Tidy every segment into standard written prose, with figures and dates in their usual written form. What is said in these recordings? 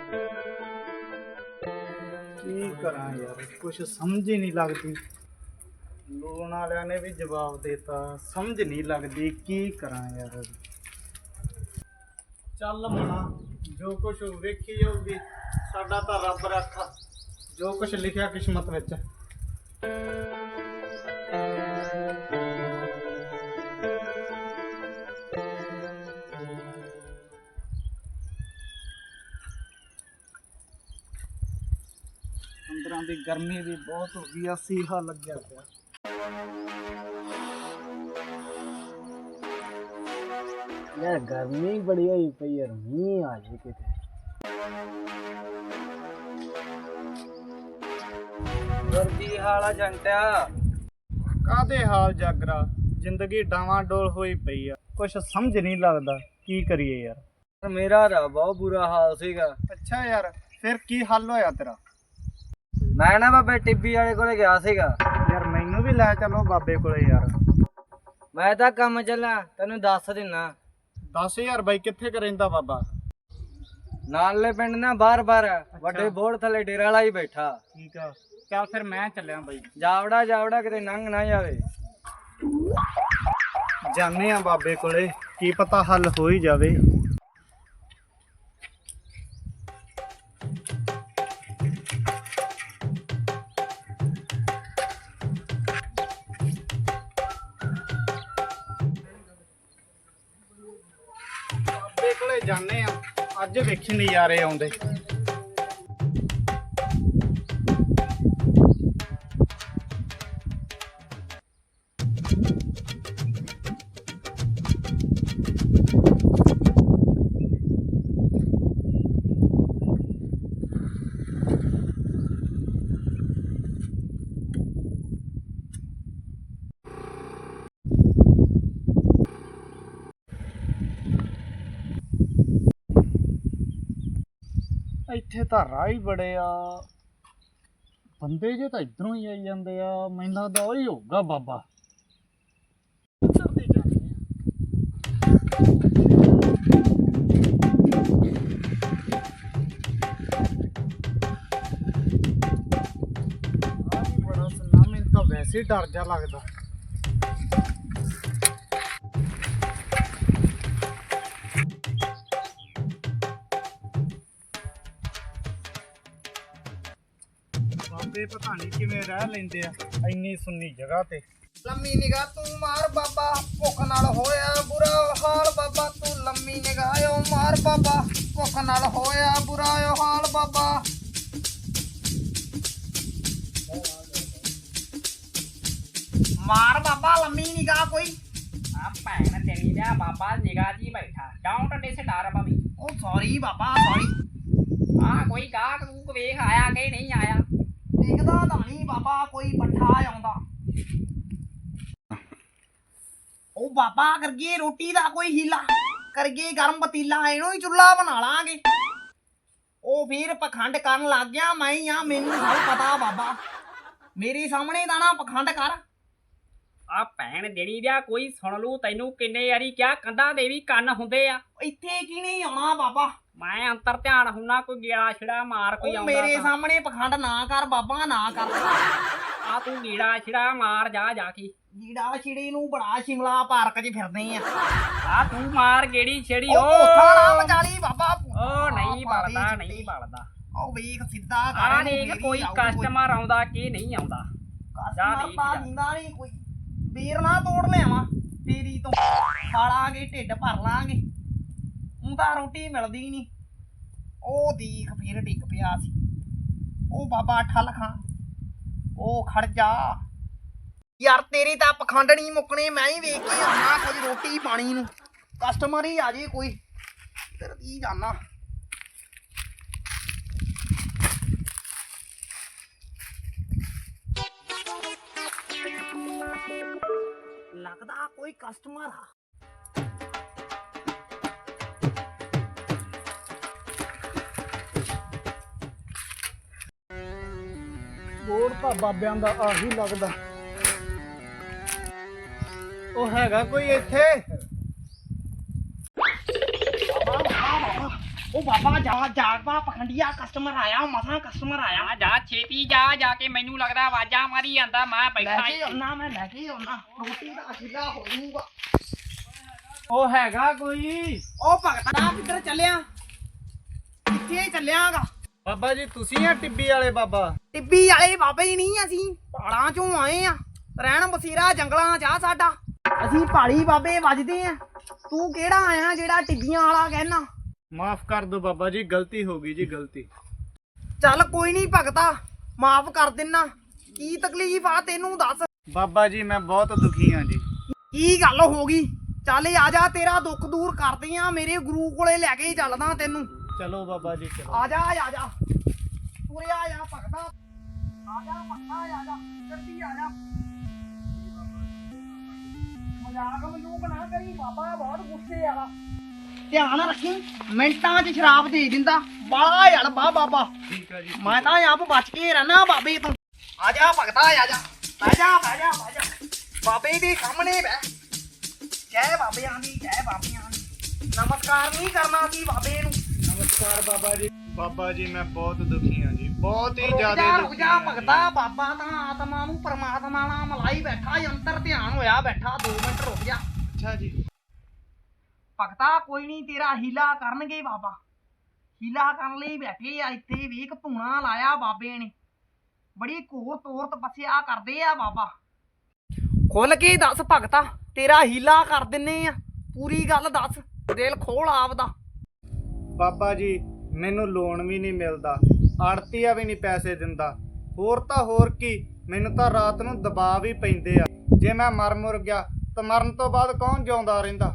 ਕੀ ਕਰਾਂ ਯਾਰ, ਕੁਛ ਸਮਝ ਹੀ ਨਹੀਂ ਲੱਗਦੀ। ਲੋਨ ਵਾਲਿਆਂ ਨੇ ਵੀ ਜਵਾਬ ਦੇਤਾ, ਸਮਝ ਨਹੀਂ ਲੱਗਦੀ ਕੀ ਕਰਾਂ ਯਾਰ। ਚੱਲ ਮਨਾ, ਜੋ ਕੁਛ ਵੇਖੀ ਜਾਊਗੀ, ਸਾਡਾ ਤਾਂ ਰੱਬ ਰੱਖਾ, ਜੋ ਕੁਛ ਲਿਖਿਆ ਕਿਸਮਤ ਵਿੱਚ। ਅੰਦਰਾਂ ਦੀ ਗਰਮੀ ਵੀ ਬਹੁਤ ਹੋ ਗਈ ਆ, ਸੀਹਾ ਲੱਗਿਆ ਪਿਆ। ਯਾਰ ਗਰਮੀ ਬੜੀ ਹੋਈ ਪਈ ਯਾਰ, ਮੀਂਹ ਆ ਜੇ ਕਿਤੇ। ਵਰਦੀ ਹਾਲਾ ਜੰਟਿਆ, ਕਾਹਦੇ ਹਾਲ ਜਾਗਰਾ, ਜ਼ਿੰਦਗੀ ਡਾਵਾਂ ਡੋਲ ਹੋਈ ਪਈ ਆ, ਕੁਛ ਸਮਝ ਨਹੀਂ ਲੱਗਦਾ ਕੀ ਕਰੀਏ ਯਾਰ। ਮੇਰਾ ਤਾਂ ਬਹੁਤ ਬੁਰਾ ਹਾਲ ਸੀਗਾ। ਅੱਛਾ ਯਾਰ, ਫਿਰ ਕੀ ਹੱਲ ਹੋਇਆ ਤੇਰਾ? ਮੈਂ ਨਾ ਬਾਬੇ ਟਿੱਬੀ ਵਾਲੇ ਕੋਲੇ ਗਿਆ ਸੀਗਾ। ਯਾਰ ਮੈਨੂੰ ਵੀ ਲੈ ਚਲੋ ਬਾਬੇ ਕੋਲੇ ਯਾਰ। ਮੈਂ ਤਾਂ ਕੰਮ ਚੱਲਾਂ, ਤੈਨੂੰ ਦੱਸ ਦਿੰਨਾ। ਦੱਸ ਯਾਰ ਬਾਈ, ਕਿੱਥੇ ਕੁ ਰਹਿੰਦਾ ਬਾਬਾ? ਨਾਲੇ ਪਿੰਡ ਨਾ ਬਾਰ-ਬਾਰ ਵੱਡੇ ਬੋੜ ਥੱਲੇ ਡੇਰਾ ਲਾਈ ਬੈਠਾ। ਠੀਕ ਆ, ਚੱਲ ਫਿਰ ਮੈਂ ਚੱਲਿਆ ਬਾਈ। ਜਾਵੜਾ ਜਾਵੜਾ ਕਿਤੇ ਲੰਘ ਨਾ ਜਾਵੇ। ਜਾਣੇ ਆ ਬਾਬੇ ਕੋਲੇ, ਕੀ ਪਤਾ ਹੱਲ ਹੋ ਹੀ ਜਾਵੇ। ਬਾਬੇ ਕੋਲੇ ਜਾਣੇ ਆ, ਅੱਜ ਵੇਖੀ ਨਜ਼ਾਰੇ ਆਉਂਦੇ। ਇੱਥੇ ਤਾਂ ਰਾਹ ਹੀ ਬੜੇ ਆ, ਬੰਦੇ ਜੇ ਤਾਂ ਇਧਰੋਂ ਹੀ ਆਈ ਜਾਂਦੇ ਆ। ਮੈਨੂੰ ਲੱਗਦਾ ਉਹੀ ਹੋਊਗਾ ਬਾਬਾ। ਇੱਧਰ ਦੀ ਜਾਂਦੇ ਆ। ਵੀ ਬੜਾ ਸੁਣਨਾ, ਮੈਨੂੰ ਤਾਂ ਵੈਸੇ ਹੀ ਡਰ ਜਾ ਲੱਗਦਾ। ਬਾਬੇ ਪਤਾ ਨਹੀਂ ਕਿਵੇਂ ਰਹਿ ਲੈਂਦੇ ਆ ਇੰਨੀ ਸੁੰਨੀ ਜਗ੍ਹਾ ਤੇ। ਲੰਮੀ ਨਿਗਾਹ ਤੂੰ ਮਾਰ ਬਾਬਾ, ਭੁੱਖ ਨਾਲ ਹੋਇਆ ਬੁਰਾ ਹਾਲ ਬਾਬਾ। ਤੂੰ ਲੰਮੀ ਨਿਗਾਹ ਓ ਮਾਰ ਬਾਬਾ, ਭੁੱਖ ਨਾਲ ਹੋਇਆ ਬੁਰਾ ਹਾਲ ਬਾਬਾ। ਮਾਰ ਬਾਬਾ ਲੰਮੀ ਨਿਗਾਹ ਕੋਈ। ਆ ਭੈਣ ਤੇਰੀ ਦਾ ਬਾਬਾ ਨਿਗਾਹ ਜੀ ਬੈਠਾ। ਡਾਊਂਟ ਡੇ ਸੇ ਡਰ ਪਵੀ। ਉਹ ਸੌਰੀ ਬਾਬਾ ਸੌਰੀ। ਆ ਕੋਈ ਗਾਹਕ ਗੂਕ ਵੇਖ ਆਇਆ ਕਿ ਨਹੀਂ ਆਇਆ? ਦੇਖਦਾ ਤਾਂ ਨਹੀਂ ਬਾਬਾ, ਕੋਈ ਪੱਠਾ ਆਉਂਦਾ। ਉਹ ਬਾਬਾ ਕਰਗੇ ਰੋਟੀ ਦਾ ਕੋਈ ਹੀਲਾ, ਕਰਗੇ ਗਰਮ ਪਤੀਲਾ, ਇਹਨੂੰ ਹੀ ਚੁੱਲ੍ਹਾ ਬਣਾ ਲਾਂਗੇ। ਉਹ ਫਿਰ ਪਖੰਡ ਕਰਨ ਲੱਗ ਗਿਆ। ਮੈਂ ਹੀ ਆ, ਮੈਨੂੰ ਸਭ ਪਤਾ ਬਾਬਾ। ਮੇਰੇ ਸਾਹਮਣੇ ਤਾਂ ਨਾ ਪਖੰਡ ਕਰ। ਆ ਭੈਣ ਦੇਣੀ ਦਾ ਕੋਈ ਸੁਣ ਲੂ ਤੈਨੂੰ ਕਿੰਨੇ ਵਾਰੀ ਕਿਹਾ, ਕੰਧਾਂ ਦੇ ਵੀ ਕੰਨ ਹੁੰਦੇ ਆ। ਇੱਥੇ ਕੀ ਨਹੀਂ ਆਉਣਾ ਬਾਬਾ। ਮੈਂ ਅੰਤਰ ਧਿਆਨ ਹੁੰਨਾ, ਕੋਈ ਗੇੜਾ ਛਿੜਾ ਮਾਰ ਕੋਈ ਉਹ ਆਉਂਦਾ ਮੇਰੇ ਤਾਂ। ਸਾਹਮਣੇ ਪਖੰਡ ਨਾ ਕਰ ਬਾਬਾ, ਨਾ ਕਰ। ਆ ਤੂੰ ਗੇੜਾ ਛਿੜਾ ਮਾਰ ਜਾ ਕੇ। ਜੀੜਾ ਛਿੜੀ ਨੂੰ ਬੜਾ ਸ਼ਿਮਲਾ ਪਾਰਕ 'ਚ ਫਿਰਦੇ ਆ। ਆ ਤੂੰ ਮਾਰ ਗੇੜੀ ਛੇੜੀ। ਉਹ ਕੋਠਾ ਨਾ ਮਚਾਲੀ ਬਾਬਾ। ਉਹ ਨਹੀਂ ਬਲਦਾ, ਨਹੀਂ ਬਲਦਾ। ਉਹ ਵੇਖ ਸਿੱਧਾ ਆ ਕਰ। ਦੇਖ ਕੋਈ ਕਸਟਮਰ ਆਉਂਦਾ ਕਿ ਨਹੀਂ ਆਉਂਦਾ। ਜਾ ਦੇਖ ਜਾ। ਦਿੰਦਾ ਨਹੀਂ ਕੋਈ। ਵੀਰ ਨਾ ਤੋੜ ਲਿਆਵਾਂ ਤੇਰੀ ਤੋਂ, ਖਾ ਲਾਂਗੇ, ਢਿੱਡ ਭਰ ਲਾਂਗੇ। ਹੁਣ ਤਾਂ ਰੋਟੀ ਮਿਲਦੀ ਨਹੀਂ। ਉਹ ਦੇਖ ਫਿਰ ਡਿੱਗ ਪਿਆ ਸੀ। ਉਹ ਬਾਬਾ ਠੱਲ ਖਾਂ, ਉਹ ਖੜ ਜਾ ਯਾਰ। ਤੇਰੀ ਤਾਂ ਪਖੰਡ ਨਹੀਂ ਮੁੱਕਣੇ। ਮੈਂ ਹੀ ਵੇਖ ਕੇ ਆਉਣਾ ਕੁਝ ਰੋਟੀ ਪਾਣੀ ਨੂੰ। ਕਸਟਮਰ ਹੀ ਆ ਜੇ ਕੋਈ, ਫਿਰ ਕੀ ਜਾਣਾ। ਲੱਗਦਾ ਕੋਈ ਕਸਟਮਰ ਆ। ਬੋੜ ਤਾਂ ਬਾਬਿਆਂ ਦਾ ਆਹੀ ਲੱਗਦਾ। ਉਹ ਹੈਗਾ ਕੋਈ ਇੱਥੇ? ਉਹ ਬਾਬਾ ਜਾਗ ਪਾ ਪਖੰਡੀਆ ਕਸਟਮਰ ਆਇਆ ਮਸਾਂ ਕਸਟਮਰ ਆਇਆ ਆ ਜਾ ਛੇਤੀ ਜਾ ਕੇ ਮੈਨੂੰ ਲੱਗਦਾ ਆਵਾਜ਼ਾਂ ਮਾਰੀ ਜਾਂਦਾ ਮੈਂ ਲੈ ਬੈਠਾ ਕੇ ਆਉਣਾ ਮੈਂ ਲੈ ਕੇ ਆਉਣਾ ਰੋਟੀ ਦਾ ਅਖੀਲਾ ਹੋ ਜਾਊਗਾ ਉਹ ਹੈਗਾ ਕੋਈ? ਉਹ ਭਗਤਾ ਕਿੱਧਰ ਚੱਲਿਆ ਕਿੱਥੇ ਚੱਲਿਆਗਾ ਬਾਬਾ ਜੀ ਤੁਸੀਂ ਆ ਟਿੱਬੀ ਵਾਲੇ ਬਾਬਾ? ਟਿੱਬੀ ਵਾਲੇ ਬਾਬੇ ਹੀ ਨਹੀਂ ਅਸੀਂ ਪਹਾੜਾਂ ਚੋਂ ਆਏ ਆ ਰਹਿਣ ਬਸੇਰਾ ਜੰਗਲਾਂ ਚ ਆ ਸਾਡਾ ਅਸੀਂ ਪਹਾੜੀ ਬਾਬੇ ਵੱਜਦੇ ਆ ਤੂੰ ਕਿਹੜਾ ਆਇਆ ਜਿਹੜਾ ਟਿੱਬੀਆਂ ਵਾਲਾ ਕਹਿਣਾ ਮਾਫ ਕਰ ਦਿਓ ਬਾਬਾ ਜੀ, ਗਲਤੀ ਹੋ ਗਈ ਜੀ, ਗਲਤੀ। ਚੱਲ ਕੋਈ ਨਹੀਂ ਭਗਤਾ ਮਾਫ ਕਰ ਦਿੰਨਾ ਕੀ ਤਕਲੀਫ ਆ ਤੈਨੂੰ ਦੱਸ ਬਾਬਾ ਜੀ ਮੈਂ ਬਹੁਤ ਦੁਖੀ ਹਾਂ ਜੀ। ਕੀ ਗੱਲ ਹੋ ਗਈ ਚੱਲ ਆ ਜਾ ਤੇਰਾ ਦੁੱਖ ਦੂਰ ਕਰਦੇ ਆ ਮੇਰੇ ਗੁਰੂ ਕੋਲੇ ਲੈ ਕੇ ਚੱਲਦਾ ਤੈਨੂੰ ਚਲੋ ਬਾਬਾ ਜੀ ਚਲੋ। ਆ ਜਾ ਤੁਰਿਆ ਆ ਭਗਤਾ ਆ ਜਾ ਭਗਤਾ ਆ ਜਾ ਜਲਦੀ ਆ ਜਾ ਮਜ਼ਾਕ ਮਜ਼ੂਕ ਨਾ ਕਰੀ ਬਾਬਾ ਬਹੁਤ ਗੁੱਸੇ ਵਾਲਾ ਧਿਆਨ ਰੱਖੀ ਮਿੰਟਾਂ 'ਚ ਸ਼ਰਾਬ ਦੇ ਦਿੰਦਾ ਬਾਲਾ ਯਾਰ ਬਾਬਾ ਠੀਕ ਹੈ ਜੀ। ਮੈਂ ਤਾਂ ਆਪ ਬਚ ਕੇ ਰਹਿਣਾ ਬਾਬੇ ਤੋਂ ਆ ਜਾ ਭਗਤਾ ਆ ਜਾ ਬਹਿ ਜਾ ਬਾਬੇ ਦੇ ਸਾਹਮਣੇ ਬਹਿ ਜੈ ਬਾਬਿਆਂ ਦੀ ਨਮਸਕਾਰ ਨਹੀਂ ਕਰਨਾ ਸੀ ਬਾਬੇ ਨੂੰ ਨਮਸਕਾਰ ਬਾਬਾ ਜੀ। ਬਾਬਾ ਜੀ ਮੈਂ ਬਹੁਤ ਦੁਖੀ ਹਾਂ ਜੀ, ਬਹੁਤ ਹੀ ਜ਼ਿਆਦਾ ਰੁਕ ਦੁਖੀ ਜਾ ਹਾਂ ਭਗਤਾ ਬਾਬਾ ਤਾਂ ਆਤਮਾ ਨੂੰ ਪਰਮਾਤਮਾ ਨਾਲ ਮਲਾਈ ਬੈਠਾ ਅੰਤਰ ਧਿਆਨ ਹੋਇਆ ਬੈਠਾ 2 ਮਿੰਟ ਰੁਕ ਜਾ ਅੱਛਾ ਜੀ। ਭਗਤਾ ਕੋਈ ਨਹੀਂ ਤੇਰਾ ਹੀਲਾ ਕਰਨਗੇ ਬਾਬਾ ਹੀਲਾ ਕਰਨ ਲਈ ਬੈਠੇ ਆ ਇੱਥੇ ਵੇਖ ਧੂਣਾ ਲਾਇਆ ਬਾਬੇ ਨੇ ਬੜੀ ਘੋਰ ਤੋਰ ਤਪੱਸਿਆ ਕਰਦੇ ਆ ਬਾਬਾ ਖੁੱਲ ਕੇ ਦੱਸ ਭਗਤਾ ਤੇਰਾ ਹੀਲਾ ਕਰ ਦਿੰਨੇ ਆ ਪੂਰੀ ਗੱਲ ਦੱਸ ਦਿਲ ਖੋਲ ਆਪਦਾ ਬਾਬਾ ਜੀ ਮੈਨੂੰ ਲੋਨ ਵੀ ਨਹੀਂ ਮਿਲਦਾ, ਆੜਤੀਆ ਵੀ ਨਹੀਂ ਪੈਸੇ ਦਿੰਦਾ, ਹੋਰ ਤਾਂ ਹੋਰ ਕੀ ਮੈਨੂੰ ਤਾਂ ਰਾਤ ਨੂੰ ਦਬਾਅ ਵੀ ਪੈਂਦੇ ਆ। ਜੇ ਮੈਂ ਮਰ ਗਿਆ ਤਾਂ ਮਰਨ ਤੋਂ ਬਾਅਦ ਕੌਣ ਜਿਉਂਦਾ ਰਹਿੰਦਾ?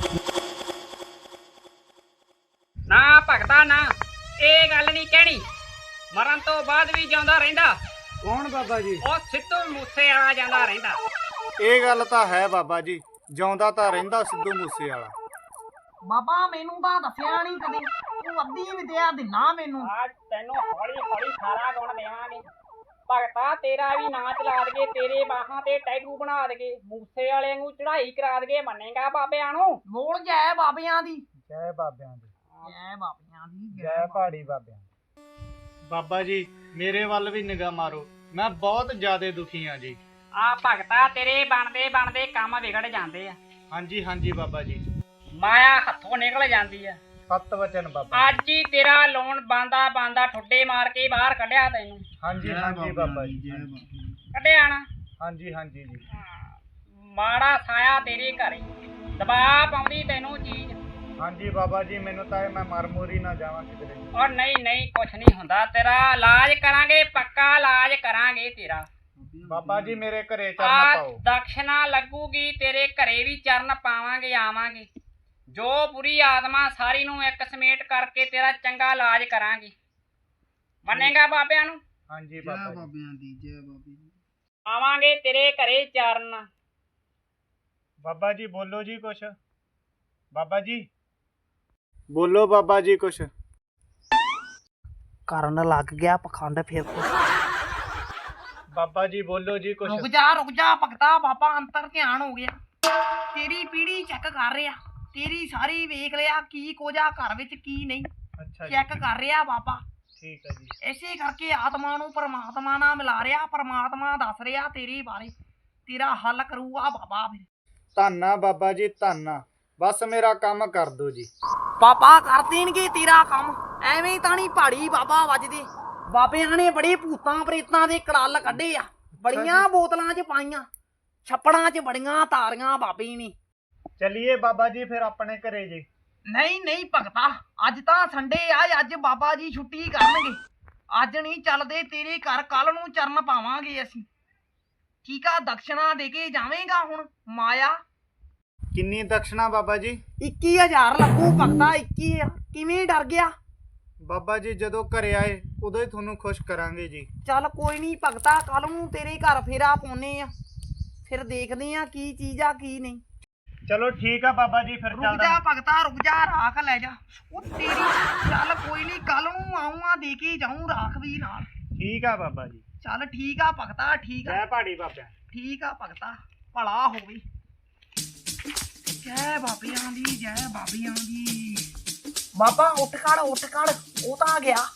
ਨਾ ਭਗਤਾ ਨਾ ਇਹ ਗੱਲ ਨਹੀਂ ਕਹਿਣੀ ਮਰਨ ਤੋਂ ਬਾਅਦ ਵੀ ਜਿਉਂਦਾ ਰਹਿੰਦਾ ਕੌਣ ਬਾਬਾ ਜੀ? ਉਹ ਸਿੱਧੂ ਮੂਸੇ ਵਾਲਾ ਜਾਂਦਾ ਰਹਿੰਦਾ ਇਹ ਗੱਲ ਤਾਂ ਹੈ ਬਾਬਾ ਜੀ, ਜਿਉਂਦਾ ਤਾਂ ਰਹਿੰਦਾ ਸਿੱਧੂ ਮੂਸੇ ਵਾਲਾ। ਬਾਬਾ ਮੈਨੂੰ ਤਾਂ ਦੱਸਿਆ ਨਹੀਂ ਕਦੇ ਤੂੰ ਅੱਧੀ ਵਿਦਿਆ ਦਿਨਾ ਮੈਨੂੰ ਆ ਤੈਨੂੰ ਹੌਲੀ ਹੌਲੀ ਸਾਰਾ ਗੁਣ ਦੇਵਾਂਗੇ ਭਗਤਾ ਤੇਰਾ ਵੀ ਨਾਂ ਚਲਾ ਦਗੇ ਤੇਰੇ ਬਾਹਾਂ ਤੇ ਟੈਟੂ ਬਣਾ ਦਗੇ ਮੂਸੇ ਵਾਲਿਆਂ ਨੂੰ ਚੜ੍ਹਾਈ ਕਰਾ ਦਗੇ ਮੰਨੇਗਾ ਬਾਬਿਆਂ ਨੂੰ ਬੋਲ ਜੈ ਬਾਬਿਆਂ ਦੀ ਜੈ ਬਾਬਿਆਂ ਦੀ, ਜੈ ਬਾਬਿਆਂ ਦੀ ਜੈ ਪਹਾੜੀ ਬਾਬਿਆਂ ਦੀ। ਬਾਬਾ ਜੀ ਮੇਰੇ ਵੱਲ ਵੀ ਨਿਗਾਹ ਮਾਰੋ, ਮੈਂ ਬਹੁਤ ਜ਼ਿਆਦਾ ਦੁਖੀ ਹਾਂ ਜੀ। ਆ ਭਗਤਾ ਤੇਰੇ ਬਣਦੇ ਕੰਮ ਵਿਗੜ ਜਾਂਦੇ ਆ ਹਾਂਜੀ ਹਾਂਜੀ ਬਾਬਾ ਜੀ। ਮਾਇਆ ਹੱਥੋਂ ਨਿਕਲ ਜਾਂਦੀ ਆ ਸਤ ਵਚਨ ਬਾਬਾ। ਅੱਜ ਹੀ ਤੇਰਾ ਲੋਨ ਬੰਦਾ ਠੁੱਡੇ ਮਾਰ ਕੇ ਬਾਹਰ ਕੱਢਿਆ ਤੈਨੂੰ ਹਾਂਜੀ ਹਾਂਜੀ ਬਾਬਾ ਜੀ। ਕੱਢਿਆ ਨਾ ਹਾਂਜੀ ਹਾਂਜੀ ਜੀ। ਮਾੜਾ ਸਾਇਆ ਤੇਰੇ ਘਰੇ ਦਬਾਅ ਪਾਉਂਦੀ ਤੈਨੂੰ ਚੀਜ਼ ਹਾਂਜੀ ਬਾਬਾ ਜੀ ਮੈਨੂੰ ਤਾਂ ਮੈਂ ਮਰ ਮੁਰੀ ਨਾ ਜਾਵਾਂ ਕਿਧਰੇ। ਔਰ ਨਹੀਂ ਕੁਛ ਨਹੀਂ ਹੁੰਦਾ ਤੇਰਾ ਇਲਾਜ ਕਰਾਂਗੇ ਪੱਕਾ ਇਲਾਜ ਕਰਾਂਗੇ ਤੇਰਾ ਬਾਬਾ ਜੀ ਮੇਰੇ ਘਰੇ ਚਰਨ ਆ ਪਾਓ। ਦਕਸ਼ਨਾ ਲੱਗੂਗੀ ਤੇਰੇ ਘਰੇ ਵੀ ਚਰਨ ਪਾਵਾਂਗੇ ਆਵਾਂਗੇ ਜੋ ਬੁਰੀ ਆਤਮਾ ਸਾਰੀ ਨੂੰ ਇੱਕ ਸਮੇਟ ਕਰਕੇ ਤੇਰਾ ਚੰਗਾ ਇਲਾਜ ਕਰਾਂਗੇ ਮੰਨੇਗਾ ਬਾਬਿਆਂ ਨੂੰ? ਹਾਂਜੀ ਬਾਬਾ ਜੀ। ਬਾਬਿਆਂ ਦੀ ਜੈ ਬਾਬੇ ਦੀ। ਆਵਾਂਗੇ ਤੇਰੇ ਘਰੇ ਚਰਨ ਬਾਬਾ ਜੀ ਬੋਲੋ ਜੀ ਕੁਛ। ਬਾਬਾ ਜੀ ਬੋਲੋ ਬਾਬਾ ਜੀ ਕੁਛ। ਕਰਨ ਲੱਗ ਗਿਆ ਪਖੰਡ ਫਿਰ ਬਾਬਾ ਜੀ ਬੋਲੋ ਜੀ ਕੁਛ। ਰੁਕ ਜਾ ਭਗਤਾ ਬਾਬਾ ਅੰਤਰ ਧਿਆਨ ਹੋ ਗਿਆ ਤੇਰੀ ਪੀੜੀ ਚੈੱਕ ਕਰ ਰਿਹਾ ਤੇਰੀ ਸਾਰੀ ਵੇਖ ਲਿਆ ਕੀ ਕੋਜਾ ਘਰ ਵਿੱਚ ਕੀ ਨਹੀਂ ਅੱਛਾ ਜੀ ਚੈੱਕ ਕਰ ਰਿਹਾ ਬਾਬਾ ਠੀਕ ਹੈ ਜੀ। ਐਸੇ ਕਰਕੇ ਆਤਮਾ ਨੂੰ ਪਰਮਾਤਮਾ ਨਾਲ ਮਿਲਾ ਰਿਹਾ ਪਰਮਾਤਮਾ ਦੱਸ ਰਿਹਾ ਤੇਰੇ ਬਾਰੇ ਤੇਰਾ ਹੱਲ ਕਰੂਗਾ ਬਾਬਾ ਫਿਰ ਧੰਨਾ ਬਾਬਾ ਜੀ ਧੰਨਾ, ਬਸ ਮੇਰਾ ਕੰਮ ਕਰ ਦਿਓ ਜੀ। ਬਾਬਾ ਕਰ ਦੇਣਗੇ ਤੇਰਾ ਕੰਮ ਐਵੇਂ ਤਾਂ ਨਹੀਂ ਪਹਾੜੀ ਬਾਬਾ ਵੱਜਦੇ ਬਾਬਿਆਂ ਨੇ ਬੜੇ ਭੂਤਾਂ ਪ੍ਰੇਤਾਂ ਦੇ ਕੜਲ ਕੱਢੇ ਆ ਬੜੀਆਂ ਬੋਤਲਾਂ 'ਚ ਪਾਈਆਂ ਛੱਪੜਾਂ 'ਚ ਬੜੀਆਂ ਤਾਰੀਆਂ ਬਾਬੇ ਨੇ। ਚਲਿਏ ਬਾਬਾ ਜੀ ਫਿਰ ਆਪਣੇ ਘਰੇ ਜੀ। ਨਹੀਂ ਭਗਤਾ ਅੱਜ ਤਾਂ ਸੰਡੇ ਆ ਅੱਜ ਬਾਬਾ ਜੀ ਛੁੱਟੀ ਕਰਨਗੇ ਅੱਜ ਨਹੀਂ ਚੱਲਦੇ ਤੇਰੇ ਘਰ ਕੱਲ ਨੂੰ ਚਰਨ ਪਾਵਾਂਗੇ ਅਸੀਂ ਠੀਕ ਆ ਦਕਸ਼ਨਾ ਦੇ ਕੇ ਜਾਵੇਂਗਾ ਹੁਣ ਮਾਇਆ ਕਿੰਨੀ ਦਕਸ਼ਨਾ ਬਾਬਾ ਜੀ? 21000 ਲੱਗੂ ਭਗਤਾ 21 ਕਿਵੇਂ ਡਰ ਗਿਆ ਬਾਬਾ ਜੀ ਜਦੋਂ ਘਰੇ ਆਏ ਉਦੋਂ ਹੀ ਤੁਹਾਨੂੰ ਖੁਸ਼ ਕਰਾਂਗੇ ਜੀ। ਚੱਲ ਕੋਈ ਨਹੀਂ ਭਗਤਾ ਕੱਲ ਨੂੰ ਤੇਰੇ ਘਰ ਫੇਰਾ ਪਾਉਨੇ ਆ ਫਿਰ ਦੇਖਦੇ ਆ ਕੀ ਚੀਜ਼ ਆ ਕੀ ਨਹੀਂ। ਚਲੋ ਠੀਕ ਆ ਬਾਬਾ ਜੀ ਫਿਰ ਰੁਕ ਚੱਲਦਾ। ਜਾ ਭਗਤਾ ਰੁਕ ਜਾ ਰਾਖ ਲੈ ਜਾ ਉਹ ਤੇਰੀ ਚੱਲ ਕੋਈ ਨਹੀਂ ਕੱਲ ਨੂੰ ਆਉਂਗਾ ਦੇ ਕੇ ਜਾਊਂ ਰਾਖ ਵੀ ਨਾਲ। ਠੀਕ ਆ ਬਾਬਾ ਜੀ। ਚੱਲ ਠੀਕ ਆ ਭਗਤਾ ਠੀਕ ਆ ਜੈ ਪਹਾੜੀ ਬਾਬਿਆਂ। ਠੀਕ ਆ ਭਗਤਾ ਭਲਾ ਹੋਵੇ ਜੈ ਬਾਬਿਆਂ ਦੀ ਜੈ ਬਾਬਿਆਂ ਦੀ। ਬਾਬਾ ਉੱਠ ਖੜ ਉਹ ਤਾਂ ਆ ਗਿਆ।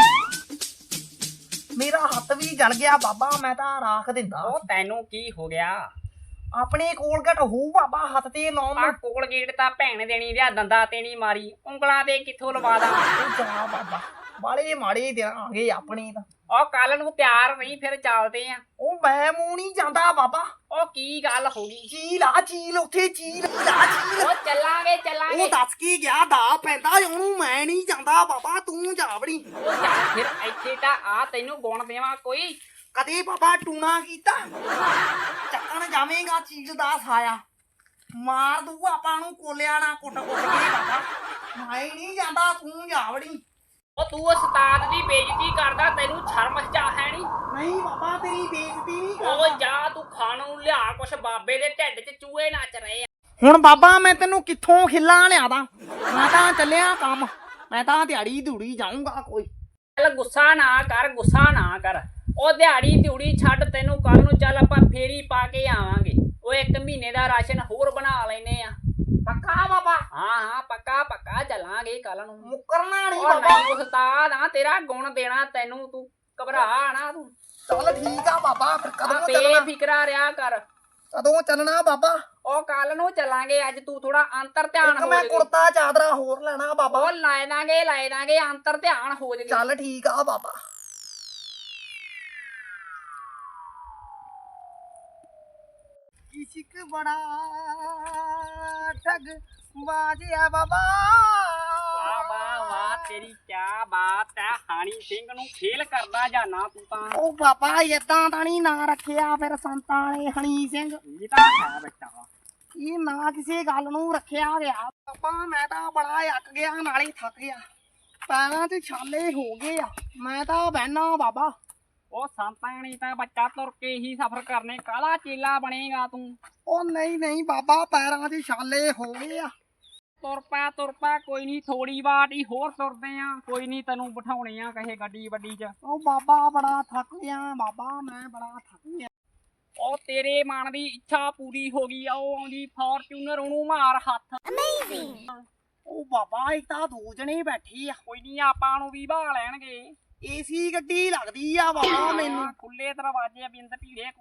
ਮੇਰਾ ਹੱਥ ਵੀ ਜਲ ਗਿਆ ਬਾਬਾ, ਮੈਂ ਤਾਂ ਰਾਖ ਦਿੰਦਾ। ਉਹ ਤੈਨੂੰ ਕੀ ਹੋ ਗਿਆ? ਆਪਣੇ ਕੋਲਗੇਟ ਹੋਊ ਬਾਬਾ ਹੱਥ ਤੇ ਲਾਉਣ ਆ ਨੂੰ। ਕੋਲਗੇਟ ਤਾਂ ਭੈਣ ਦੇਣੀ ਵਿਆ ਦੰਦਾਂ ਤੇ ਨਹੀਂ ਮਾਰੀ, ਉਂਗਲਾਂ ਤੇ ਕਿੱਥੋਂ ਲਵਾ ਦਾਂ? ਉਹ ਜਾ ਬਾਬਾ, ਬਾਲੇ ਮਾੜੇ ਦਿਨ ਆ ਗਏ ਆਪਣੇ ਤਾਂ। ਉਹ ਕੱਲ ਨੂੰ ਤਿਆਰ ਨਹੀਂ, ਫਿਰ ਚੱਲਦੇ ਆ। ਉਹ ਮੈਂ ਮੂੰਹ ਨਹੀਂ ਜਾਂਦਾ ਬਾਬਾ। ਉਹ ਕੀ ਗੱਲ ਹੋ ਗਈ? ਚੀਲ ਉੱਥੇ ਚੀਲ ਲਾ ਚੀਲ। ਉਹ ਚੱਲਾਂਗੇ ਉਹ ਦੱਸ ਕੀ ਗਿਆ ਦਾ ਪੈਂਦਾ ਉਹਨੂੰ, ਮੈਂ ਨਹੀਂ ਜਾਂਦਾ ਬਾਬਾ, ਤੂੰ ਜਾ ਵੜੀ। ਉਹ ਚੱਲ ਫਿਰ ਇੱਥੇ ਤਾਂ ਆ, ਤੈਨੂੰ ਗੁਣ ਦੇਵਾਂ ਕੋਈ? ਕਦੇ ਬਾਬਾ ਟੂਣਾ ਕੀਤਾ? ਚੱਕਣ ਜਾਵੇਂਗਾ ਚੀਲ ਦਾ ਸਾਇਆ, ਮਾਰ ਦੂ ਆਪਾਂ ਨੂੰ ਕੋਲਿਆ ਨਾ ਕੁੱਟ ਕੇ ਬਾਬਾ। ਮੈਂ ਨਹੀਂ ਜਾਂਦਾ, ਤੂੰ ਜਾ ਵੜੀ। ਉਹ ਤੂੰ ਉਸਤਾਦ ਦੀ ਬੇਇੱਜ਼ਤੀ ਕਰਦਾ, ਤੈਨੂੰ ਸ਼ਰਮ ਜਾ ਹੈ ਨਹੀਂ? ਨਹੀਂ ਬਾਬਾ ਤੇਰੀ ਬੇਇੱਜ਼ਤੀ ਨਹੀਂ ਉਹ ਕਰਦਾ। ਜਾ ਤੂੰ ਖਾਣ ਨੂੰ ਲਿਆ ਕੁਛ, ਬਾਬੇ ਦੇ ਢਿੱਡ 'ਚ ਚੂਹੇ ਨੱਚ ਰਹੇ ਆ। ਹੁਣ ਬਾਬਾ ਮੈਂ ਤੈਨੂੰ ਕਿੱਥੋਂ ਖਿੱਲਾ ਲਿਆਦਾ? ਮੈਂ ਤਾਂ ਚੱਲਿਆ ਕੰਮ, ਮੈਂ ਤਾਂ ਦਿਹਾੜੀ ਦੂੜੀ ਜਾਊਂਗਾ ਕੋਈ। ਚੱਲ ਗੁੱਸਾ ਨਾ ਕਰ। ਉਹ ਦਿਹਾੜੀ ਦਿਉੜੀ ਛੱਡ, ਤੈਨੂੰ ਕੱਲ ਨੂੰ ਚੱਲ ਆਪਾਂ ਫੇਰੀ ਪਾ ਕੇ ਆਵਾਂਗੇ। ਉਹ 1 ਮਹੀਨੇ ਦਾ ਰਾਸ਼ਨ ਹੋਰ ਬਣਾ ਲੈਨੇ ਆ। ਪੱਕਾ ਬਾਬਾ? ਹਾਂ ਪੱਕਾ ਚੱਲਾਂਗੇ ਕੱਲ ਨੂੰ। ਮੁੱਕਰਨਾ ਨਹੀਂ ਉਹ ਬਾਬਾ। ਨਹੀਂ ਉਸਤਾਦ ਆ, ਤੇਰਾ ਗੁਣ ਦੇਣਾ ਤੈਨੂੰ, ਤੂੰ ਘਬਰਾ ਨਾ ਤੂੰ। ਚੱਲ ਠੀਕ ਆ ਬਾਬਾ, ਫਿਰ ਕਦੋਂ ਆਪੇ ਚੱਲਣਾ? ਫਿਕਰਾ ਰਿਹਾ ਕਰ। ਕਦੋਂ ਚੱਲਣਾ ਬਾਬਾ? ਉਹ ਕੱਲ ਨੂੰ ਚੱਲਾਂਗੇ, ਅੱਜ ਤੂੰ ਥੋੜਾ ਅੰਤਰ ਧਿਆਨ ਇੱਕ ਹੋ ਮੈਂ ਜਾਵੇ। ਕੁੜਤਾ ਚਾਦਰਾ ਹੋਰ ਲੈਣਾ ਬਾਬਾ। ਉਹ ਲਾਏ ਦਾਂਗੇ ਅੰਤਰ ਧਿਆਨ ਹੋ ਜਾਵੇ। ਚੱਲ ਠੀਕ ਆ ਬਾਬਾ। ਇਸ਼ਕ ਬੜਾ ਠੱਗ ਬਾਜਿਆ ਬਾਬਾ। ਵਾਹ ਤੇਰੀ ਕਿਆ ਬਾਤ ਹੈ, ਹਾਣੀ ਸਿੰਘ ਨੂੰ ਫੇਲ ਕਰਦਾ ਜਾਨਾ ਤੂੰ ਤਾਂ। ਉਹ ਬਾਬਾ ਏਦਾਂ ਤਾਂ ਨਹੀਂ ਨਾਂ ਰੱਖਿਆ ਫਿਰ ਸੰਤਾਂ ਨੇ ਹਣੀ ਸਿੰਘ। ਇਹ ਤਾਂ ਹੈ ਬੱਚਾ। ਇਹ ਨਾਂ ਕਿਸੇ ਗੱਲ ਨੂੰ ਰੱਖਿਆ ਗਿਆ ਬਾਬਾ। ਮੈਂ ਤਾਂ ਬੜਾ ਅੱਕ ਗਿਆ, ਨਾਲੇ ਥੱਕ ਗਿਆ, ਪੈਰਾਂ 'ਚ ਛਾਲੇ ਹੋ ਗਏ ਆ, ਮੈਂ ਤਾਂ ਬਹਿਣਾ ਬਾਬਾ। ਉਹ ਸੰਤਾਂ ਨੇ ਤਾਂ ਬੱਚਾ ਤੁਰ ਕੇ ਹੀ ਸਫ਼ਰ ਕਰਨੇ, ਕਾਹਦਾ ਚੇਲਾ ਬਣੇਗਾ ਤੂੰ? ਉਹ ਨਹੀਂ ਬਾਬਾ, ਪੈਰਾਂ 'ਚ ਛਾਲੇ ਹੋ ਗਏ ਆ। ਤੁਰ ਪਾ ਕੋਈ ਨਹੀਂ, ਥੋੜੀ ਬਾਟ ਹੀ ਹੋਰ ਤੁਰਦੇ ਆ, ਕੋਈ ਨਹੀਂ ਤੈਨੂੰ ਬਿਠਾਉਣੇ ਆ ਕਹੇ ਗੱਡੀ ਵੱਡੀ 'ਚ। ਉਹ ਬਾਬਾ ਬੜਾ ਥੱਕ ਗਿਆ ਬਾਬਾ, ਮੈਂ ਬੜਾ ਥੱਕ ਗਿਆ। ਉਹ ਤੇਰੇ ਮਨ ਦੀ ਇੱਛਾ ਪੂਰੀ ਹੋ ਗਈ ਆ, ਉਹ ਆਉਂਦੀ ਫੋਰਚੂਨਰ, ਉਹਨੂੰ ਮਾਰ ਹੱਥ। ਉਹ ਬਾਬਾ ਇੱਕ ਤਾਂ 2 ਜਣੇ ਬੈਠੇ ਆ, ਕੋਈ ਨਹੀਂ ਆਪਾਂ ਨੂੰ ਵੀ ਬਾਹ ਲੈਣਗੇ। ਏਸੀ ਗੱਡੀ ਲੱਗਦੀ ਆ ਬਾਬਾ ਮੈਨੂੰ। ਖੁੱਲੇ ਦਰਵਾਜ਼ੇ, ਬਿੰਦ ਭੀੜੇ।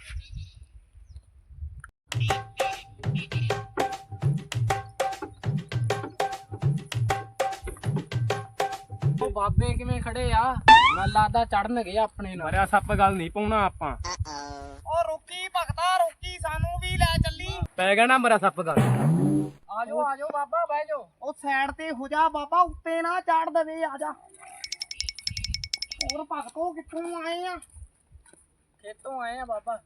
ਉਹ ਬਾਬੇ ਕਿਵੇਂ ਖੜੇ ਆ? ਮੈਂ ਲੱਗਦਾ ਚੜਨ ਗਏ ਆਪਣੇ ਨਾਲ। ਮਰਿਆ ਸੱਪ ਗੱਲ ਨਹੀਂ ਪਾਉਣਾ ਆਪਾਂ। ਉਹ ਰੁਕੀ ਭਗਤਾ ਰੁਕੀ, ਸਾਨੂੰ ਵੀ ਲੈ ਚੱਲੀ। ਪੈ ਗਿਆ ਨਾ ਮਰਿਆ ਸੱਪ ਗੱਲ। ਆਜੋ ਬਾਬਾ, ਬਹਿ ਜਾਓ। ਉਹ ਸਾਈਡ ਤੇ ਹੋ ਜਾ ਬਾਬਾ, ਉੱਤੇ ਨਾ ਚੜ ਦੇਵੇ, ਆ ਜਾ। ਹੋਰ ਭਗਤੋ ਕਿੱਥੋਂ ਆਏ ਆ? ਖੇਤੋਂ ਆਏ ਆ ਬਾਬਾ।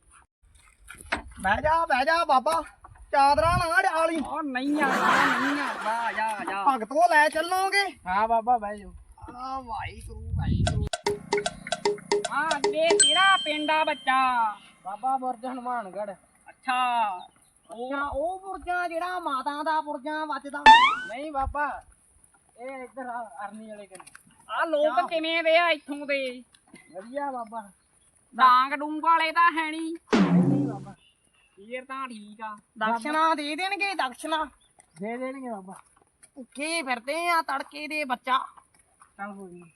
ਬਹਿ ਜਾ ਬਾਬਾ, ਚਾਦਰਾਂ ਨਾ ਡਾਲੀ। ਉਹ ਨਹੀਂ ਆਉਂਦਾ, ਆ ਜਾ। ਭਗਤੋ ਲੈ ਚੱਲੋਗੇ? ਹਾਂ ਬਾਬਾ, ਬਹਿ ਜਾਓ। ਆ ਵਾਹਿਗੁਰੂ। ਹਾਂ ਅੱਗੇ ਤੇਰਾ ਪਿੰਡ ਆ ਬੱਚਾ? ਬਾਬਾ ਬੁਰਜ ਹਨੂਮਾਨਗੜ੍ਹ। ਅੱਛਾ, ਉਹ ਪੁਰਜਾ ਜਿਹੜਾ ਮਾਤਾ ਦਾ ਪੁਰਜਾ ਵੱਜਦਾ? ਨਹੀਂ ਬਾਬਾ, ਇਹ ਇੱਧਰ ਅਰਨੀ ਵਾਲੇ ਕੋਲ। ਆ ਲੋਕ ਕਿਵੇਂ ਦੇ ਆ ਇੱਥੋਂ ਦੇ? ਵਧੀਆ ਬਾਬਾ। ਡਾਂਗ ਡੂੰਗ ਵਾਲੇ ਤਾਂ ਹੈ ਨਹੀਂ? ਨਹੀਂ ਬਾਬਾ, ਫੇਰ ਤਾਂ ਠੀਕ ਆ। ਦਕਸ਼ਨਾ ਦੇ ਦੇਣਗੇ? ਦਕਸ਼ਨਾ ਦੇ ਦੇਣਗੇ ਬਾਬਾ। ਭੁੱਖੇ ਫਿਰਦੇ ਆ ਤੜਕੇ ਦੇ ਬੱਚਾ। ਚੱਲ ਹੋ ਗਈ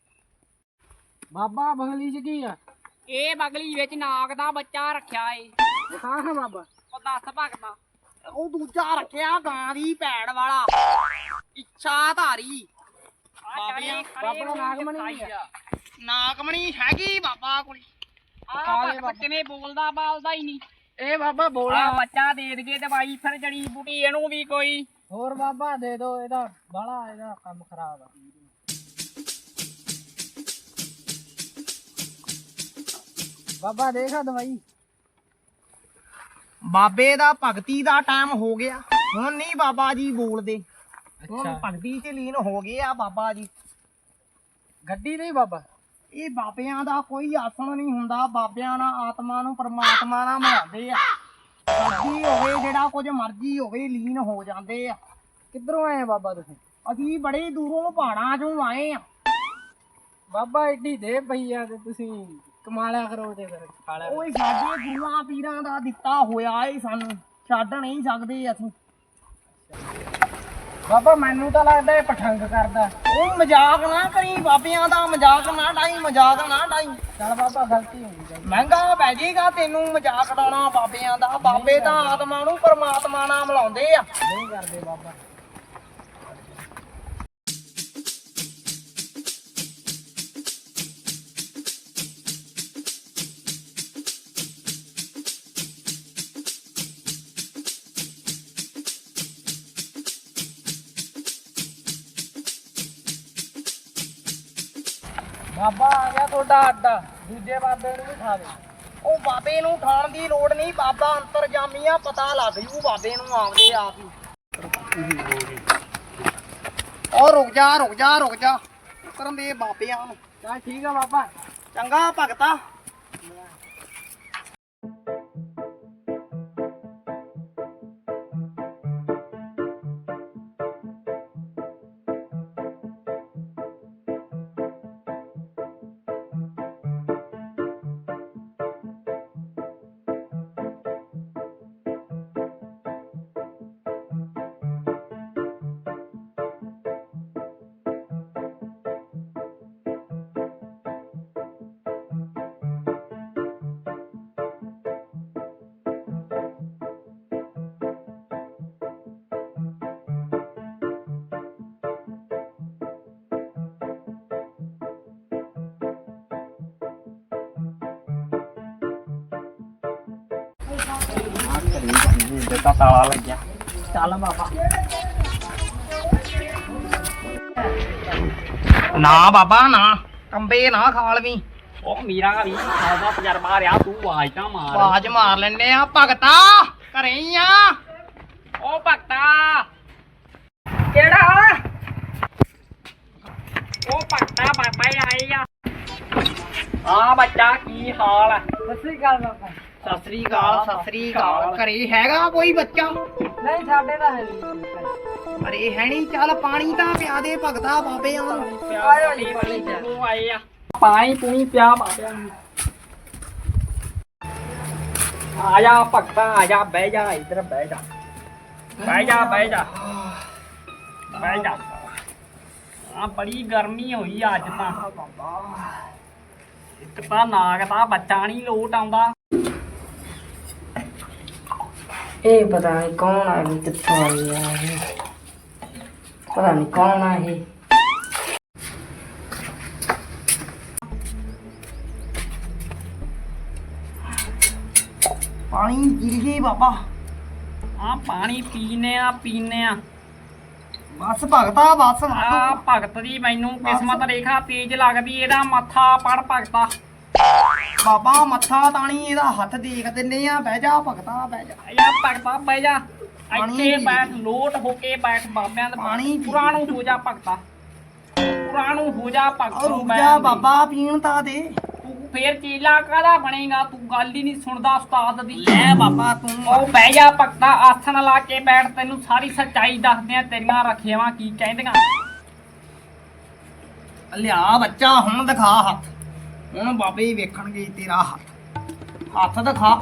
ਬਾਬਾ। ਬਗਲੀ ਚ ਕੀ ਆ? ਇਹ ਬਗਲੀ ਵਿੱਚ ਨਾਗ ਦਾ ਬੱਚਾ ਰੱਖਿਆ ਏ। ਹਾਂ ਬਾਬਾ। ਉਹ ਦੱਸ ਭਗਤਾ। ਉਹ ਦੂਜਾ ਰੱਖਿਆ ਗਾਂ ਦੀ ਭੈੜ ਵਾਲਾ, ਇੱਛਾ ਧਾਰੀ। ਬਾਬਾ ਨਾਗਮਣੀ ਆ। ਨਾਗਮਣੀ ਹੈਗੀ ਬਾਬਾ ਕੋਲ। ਆ ਕਿਵੇਂ ਬੋਲਦਾ ਬਾਲਦਾ ਹੀ ਨਹੀਂ। ਇਹ ਬਾਬਾ ਬੋਲਾ। ਆ ਬੱਚਾ ਦੇ ਦਗੇ ਦਵਾਈ, ਫਿਰ ਜੜੀ ਬੂਟੀ ਇਹਨੂੰ ਵੀ ਕੋਈ। ਹੋਰ ਬਾਬਾ ਦੇ ਦੋ, ਇਹਦਾ ਬਾਲਾ ਇਹਦਾ ਕੰਮ ਖਰਾਬ ਆ। ਬਾਬਾ ਦੇਖਾ ਦਵਾਈ। ਬਾਬੇ ਦਾ ਭਗਤੀ ਦਾ ਟਾਈਮ ਹੋ ਗਿਆ, ਹੁਣ ਨਹੀਂ ਬਾਬਾ ਜੀ ਬੋਲਦੇ, ਹੁਣ ਭਗਤੀ ਚ ਲੀਨ ਹੋ ਗਏ ਆ ਬਾਬਾ ਜੀ। ਗੱਡੀ ਨਹੀਂ ਬਾਬਾ, ਇਹ ਬਾਬਿਆਂ ਦਾ ਕੋਈ ਆਸਣ ਨਹੀਂ ਹੁੰਦਾ, ਬਾਬਿਆਂ ਨਾਲ ਆਤਮਾ ਨੂੰ ਪਰਮਾਤਮਾ ਨਾਲ ਮਿਲਾਉਂਦੇ ਆ। ਭਗਤੀ ਹੋਵੇ ਜਿਹੜਾ ਕੁਝ ਮਰਜ਼ੀ ਹੋਵੇ, ਲੀਨ ਹੋ ਜਾਂਦੇ ਆ। ਕਿੱਧਰੋਂ ਆਏ ਆ ਬਾਬਾ ਤੁਸੀਂ? ਅਸੀਂ ਬੜੇ ਦੂਰੋਂ ਪਹਾੜਾਂ ਚੋਂ ਆਏ ਆ। ਬਾਬਾ ਏਡੀ ਦੇ ਪਈ ਆ ਤੇ ਤੁਸੀਂ ਕਮਾਲਿਆ ਕਰੋ ਤੇ ਫਿਰ ਖਾ ਲਿਆ ਕਰੋ। ਓਏ ਸਾਡੇ ਗੁਰੂਆਂ ਪੀਰਾਂ ਦਾ ਦਿੱਤਾ ਹੋਇਆ ਏ, ਸਾਨੂੰ ਛੱਡ ਨਹੀਂ ਸਕਦੇ ਅਸੀਂ। ਬਾਬਾ ਮੈਨੂੰ ਤਾਂ ਲੱਗਦਾ ਇਹ ਪਠੰਗ ਕਰਦਾ। ਉਹ ਮਜ਼ਾਕ ਨਾ ਕਰੀ ਬਾਬਿਆਂ ਦਾ, ਮਜ਼ਾਕ ਨਾ ਡਾਈ, ਮਜ਼ਾਕ ਨਾ ਡਾਈ। ਚੱਲ ਬਾਬਾ ਗਲਤੀ ਹੋ ਗਈ। ਮਹਿੰਗਾ ਪੈ ਜਾਏਗਾ ਤੈਨੂੰ ਮਜ਼ਾਕ ਡਾਉਣਾ ਬਾਬਿਆਂ ਦਾ। ਬਾਬੇ ਤਾਂ ਆਤਮਾ ਨੂੰ ਪਰਮਾਤਮਾ ਨਾਲ ਮਿਲਾਉਂਦੇ ਆ। ਨਹੀਂ ਕਰਦੇ ਬਾਬਾ। ਬਾਬਾ ਆ ਗਿਆ ਤੁਹਾਡਾ ਅੱਡਾ, ਦੂਜੇ ਬਾਬੇ ਨੂੰ ਵੀ ਖਾ ਦੇ। ਉਹ ਬਾਬੇ ਨੂੰ ਠਾਣ ਦੀ ਲੋੜ ਨਹੀਂ, ਬਾਬਾ ਅੰਤਰਜਾਮੀ ਆ, ਪਤਾ ਲੱਗ ਜੂ ਬਾਬੇ ਨੂੰ ਆਪਦੇ ਆਪ ਹੀ। ਉਹ ਰੁਕ ਜਾ ਰੁਕ ਜਾ ਰੁਕ ਜਾ, ਕਰਨ ਦੇ ਬਾਬਿਆਂ ਨੂੰ। ਚੱਲ ਠੀਕ ਆ ਬਾਬਾ। ਚੰਗਾ ਭਗਤਾ। ਤਾਂ ਤਾਲਾ ਲੱਗਿਆ। ਚੱਲ ਬਾਬਾ। ਨਾ ਬਾਬਾ ਨਾ, ਕੰਬੇ ਨਾ ਖਾਲਵੀਂ। ਉਹ ਮੇਰਾ ਵੀ ਖਾਦਾ ਤਜਰਬਾ ਰਿਹਾ, ਤੂੰ ਆਵਾਜ਼ ਤਾਂ ਮਾਰ। ਆਵਾਜ਼ ਮਾਰ ਲੈਨੇ ਆ। ਭਗਤਾ ਘਰੇ ਹੀ ਆ। ਉਹ ਭਗਤਾ ਕਿਹੜਾ? ਉਹ ਭਗਤਾ ਬਾਬਾ ਹੀ ਆਏ ਆ। ਹਾਂ ਬੱਚਾ, ਕੀ ਹਾਲ ਹੈ? ਸਤਿ ਸ੍ਰੀ ਅਕਾਲ ਬਾਬਾ। ਸਤਿ ਸ੍ਰੀ ਅਕਾਲ ਸਤਿ ਸ੍ਰੀ ਅਕਾਲ। ਘਰੇ ਹੈਗਾ ਕੋਈ ਬੱਚਾ? ਨਹੀਂ ਸਾਡੇ ਤਾਂ ਹੈ ਨਹੀਂ। ਘਰੇ ਹੈ ਨਹੀਂ। ਚੱਲ ਪਾਣੀ ਤਾਂ ਪਿਆ ਦੇ ਭਗਤਾ ਬਾਬਿਆਂ ਨੂੰ। ਆਇਓ ਨਹੀਂ ਬਣੀ ਤੂੰ ਆਏ ਆ। ਪਾਣੀ ਪੂਣੀ ਪਿਆ ਬਾਬਿਆਂ ਨੂੰ। ਆ ਜਾ ਭਗਤਾ, ਆ ਜਾ, ਬਹਿ ਜਾ, ਇੱਧਰ ਬਹਿ ਜਾ, ਬਹਿ ਜਾ, ਬਹਿ ਜਾ, ਬਹਿ ਜਾ। ਆ ਬੜੀ ਗਰਮੀ ਹੋਈ ਅੱਜ ਤਾਂ। ਇੱਕ ਤਾਂ ਨਾਗ ਦਾ ਬੱਚਾ ਨਹੀਂ ਲੋਟ ਆਉਂਦਾ। ਇਹ ਪਤਾ ਨਹੀਂ ਕੌਣ ਆ ਗਈ, ਕਿੱਥੋਂ ਆਈ ਆ ਇਹ। ਪਤਾ ਨਹੀਂ ਕੌਣ ਆ ਇਹ। ਪਾਣੀ ਗਿਰ ਗਈ ਬਾਬਾ। ਆ ਪਾਣੀ ਪੀਨੇ ਆ। ਬਸ ਭਗਤਾ ਬਸ। ਆ ਭਗਤ ਦੀ ਮੈਨੂੰ ਕਿਸਮਤ ਰੇਖਾ ਤੇਜ ਲੱਗਦੀ, ਇਹਦਾ ਮੱਥਾ ਪੜ ਭਗਤਾ। ਬਾਬਾ ਮੱਥਾ ਤਾਣੀ ਇਹਦਾ ਹੱਥ ਦੇਖ ਦਿੰਨੇ ਆ। ਬਹਿ ਜਾ ਭਗਤਾ ਬਹਿ ਜਾ। ਯਾ ਭਗਤਾ ਬਹਿ ਜਾ, ਪਾਣੀ ਇੱਥੇ ਪੀ ਬੈਠ, ਲੋਟ ਹੋ ਕੇ ਬੈਠ ਬਾਬਿਆਂ ਦੇ। ਪਾਣੀ ਪੀ। ਪੁਰਾਣੂ ਹੋ ਜਾ ਭਗਤਾ, ਪੁਰਾਣੂ ਹੋ ਜਾ ਭਗਤ। ਉਹ ਰੁਕ ਜਾ ਬਾਬਾ, ਪੀਣ ਤਾਂ ਦੇ। ਤੂੰ ਫੇਰ ਚੇਲਾ ਕਾਹਦਾ ਬਣੇਗਾ? ਤੂੰ ਗੱਲ ਹੀ ਨਹੀਂ ਸੁਣਦਾ ਉਸਤਾਦ ਦੀ। ਲੈ ਬਾਬਾ ਤੂੰ। ਉਹ ਬਹਿ ਜਾ ਭਗਤਾ, ਆਸਣ ਲਾ ਕੇ ਬੈਠ, ਤੈਨੂੰ ਸਾਰੀ ਸੱਚਾਈ ਦੱਸਦੇ ਆ, ਤੇਰੀਆਂ ਰੱਖਿਆਵਾਂ ਕੀ ਕਹਿੰਦੀਆਂ। ਲਿਆ ਬੱਚਾ, ਹੁਣ ਦਿਖਾ ਹੱਥ। ਹੁਣ ਬਾਬੇ ਹੀ ਵੇਖਣਗੇ ਤੇਰਾ ਹੱਥ। ਹੱਥ ਦਿਖਾ।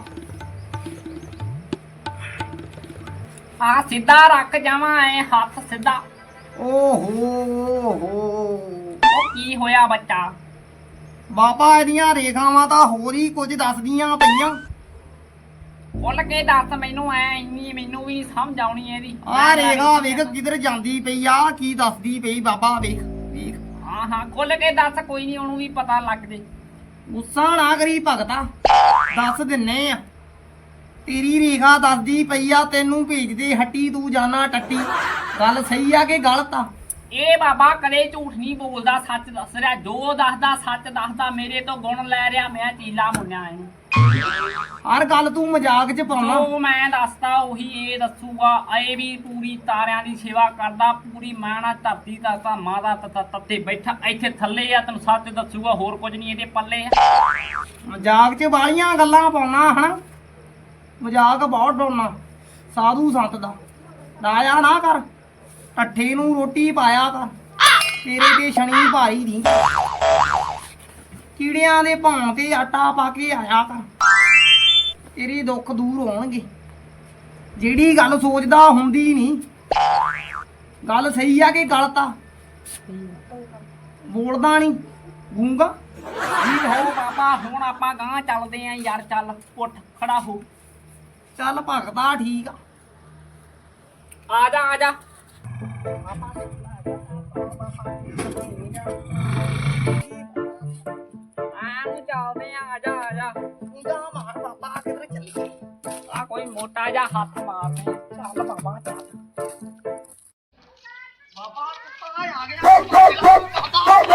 ਆ ਸਿੱਧਾ ਰੱਖ ਜਾਵਾਂ ਐ, ਹੱਥ ਸਿੱਧਾ। ਓਹੋ ਉਹ ਕੀ ਹੋਇਆ ਬੱਚਾ? ਬਾਬਾ ਇਹਦੀਆਂ ਰੇਖਾਵਾਂ ਤਾਂ ਹੋਰ ਹੀ ਕੁਝ ਦੱਸਦੀਆਂ ਪਈਆਂ। ਖੁੱਲ ਕੇ ਦੱਸ ਮੈਨੂੰ, ਐ ਇੰਨੀ ਮੈਨੂੰ ਵੀ ਸਮਝ ਆਉਣੀ ਇਹਦੀ। ਆ ਰੇਖਾ ਵੇਖ ਕਿਧਰ ਜਾਂਦੀ ਪਈ ਆ, ਕੀ ਦੱਸਦੀ ਪਈ ਬਾਬਾ ਵੇਖ ਵੇਖ। ਹਾਂ ਖੁੱਲ ਕੇ ਦੱਸ, ਕੋਈ ਨਹੀਂ, ਉਹਨੂੰ ਵੀ ਪਤਾ ਲੱਗ ਜੇ। ਗੁੱਸਾ ਨਾ ਕਰੀ ਭਗਤਾ, ਦੱਸ ਦਿੰਨੇ ਆ। ਤੇਰੀ ਰੇਖਾ ਦੱਸਦੀ ਪਈ ਆ, ਤੈਨੂੰ ਭੇਜਦੇ ਹੱਟੀ, ਤੂੰ ਜਾਣਾ ਟੱਟੀ। ਗੱਲ ਸਹੀ ਆ ਕਿ ਗਲਤ ਆ? ਇਹ ਬਾਬਾ ਕਦੇ ਝੂਠ ਨਹੀਂ ਬੋਲਦਾ, ਸੱਚ ਦੱਸ ਰਿਹਾ। ਜੋ ਦੱਸਦਾ ਸੱਚ ਦੱਸਦਾ, ਮੇਰੇ ਤੋਂ ਗੁਣ ਲੈ ਰਿਹਾ, ਮੈਂ ਚੀਲਾ ਮੁੰਨਿਆ ਇਹਨੂੰ। ਹਰ ਗੱਲ ਤੂੰ ਮਜ਼ਾਕ 'ਚ ਪਾਉਣਾ। ਜੋ ਮੈਂ ਦੱਸਦਾ ਉਹੀ ਇਹ ਦੱਸੂਗਾ। ਇਹ ਵੀ ਪੂਰੀ ਤਾਰਿਆਂ ਦੀ ਸੇਵਾ ਕਰਦਾ, ਪੂਰੀ ਮਾਣਾ ਧਰਤੀ ਦਾ ਧਾਮਾਂ ਦਾ ਤੱਤੇ ਬੈਠਾ ਇੱਥੇ ਥੱਲੇ ਆ, ਤੈਨੂੰ ਸੱਚ ਦੱਸੂਗਾ, ਹੋਰ ਕੁਝ ਨਹੀਂ ਇਹਦੇ ਪੱਲੇ ਆ। ਮਜ਼ਾਕ 'ਚ ਵਾਲੀਆਂ ਗੱਲਾਂ ਪਾਉਣਾ ਹਨਾ, ਮਜ਼ਾਕ ਬਹੁਤ ਡਾਉਣਾ ਸਾਧੂ ਸੰਤ ਦਾ। ਲਾਇਆ ਨਾ ਕਰ, ਠੱਠੇ ਨੂੰ ਰੋਟੀ ਪਾਇਆ ਕਰ, ਤੇਰੇ ਤੇ ਸ਼ਨੀ ਭਾਈ ਨਹੀਂ। ਕੀੜਿਆਂ ਦੇ ਭਾਂ ਤੇ ਆਟਾ ਪਾ ਕੇ ਆਇਆ ਕਰ, ਤੇਰੇ ਦੁੱਖ ਦੂਰ ਹੋਣਗੇ। ਜਿਹੜੀ ਗੱਲ ਸੋਚਦਾ ਹੁੰਦੀ ਨਹੀਂ। ਗੱਲ ਸਹੀ ਆ ਕਿ ਗਲਤ ਆ? ਬੋਲਦਾ ਨਹੀਂ ਗੂੰਗਾ। ਠੀਕ ਹੋ ਬਾਬਾ, ਹੁਣ ਆਪਾਂ ਗਾਂ ਚੱਲਦੇ ਆਂ ਯਾਰ। ਚੱਲ ਉੱਠ ਖੜਾ ਹੋ। ਚੱਲ ਭਗਤਾ ਠੀਕ ਆ। ਆ ਜਾ ਆ ਜਾ। ਆਨੂੰ ਚੱਲਦੇ ਆਂ, ਆ ਜਾ ਆ ਜਾ। ਉਂਗਾ ਮਾਰ ਬਾਬਾ, ਕਿੱਧਰ ਚੱਲੀ? ਆ ਕੋਈ ਮੋਟਾ ਜਿਹਾ ਹੱਥ ਮਾਰਦੇ ਆਂ। ਚੱਲ ਬਾਬਾ ਚੱਲ। ਬਾਬਾ ਕੁੱਤਾ ਆ ਗਿਆ।